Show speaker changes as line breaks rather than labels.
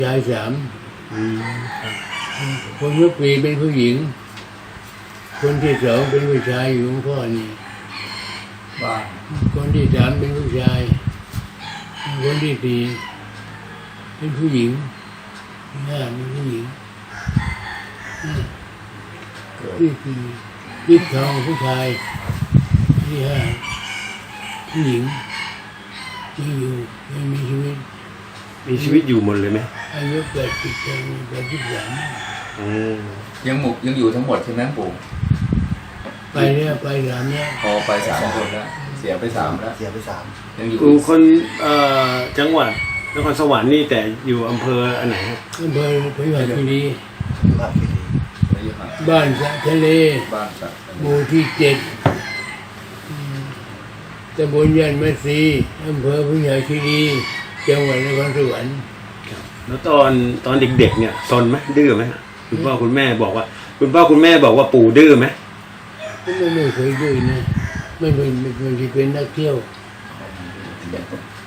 ชายสามคนที่สี่เป็นผู้หญิงคนที่สองเป็นผู้ชายอยู่ของพ่อนี่
บ้าน
คนที่สามเป็นผู้ชายคนที่สี่เป็นผู้หญิงห้าเป็นผู้หญิงที่สี่ที่ทองผู้ชายที่ห้าผู้หญิงที่อยู่ยังมีชีวิต
มีชีวิตอยู่หมดเลยไหม
อายุ83
ยังอยู่ทั้งหมดใช่ไหมปู่
ไปเนี่ยไปสามเนี่ย
พอไป3 คนแล้วเสียไป3แล้ว
เสียไป3
ยังอยู่
ปู่คนจังหวัดนครสวรรค์นี่แต่อยู่อำเภออันไหนครับ
อำเภอพยุหคีรี
ภาพที่ดี
อายุห่าง
บ้านสะทะเล
บ้านสัก
หมู่ที่7ตำบลยันมะซีอำเภอพยุหคีรีจังหวัดนครสวรรค์
แล้วตอนเด็กๆเนี่ยซนไหมดื้อไหมคุณพ่อคุณแม่บอกว่าปู่ดื้อไหม
ไม่เคยดื้อนะไม่เป็นนักเที่ยว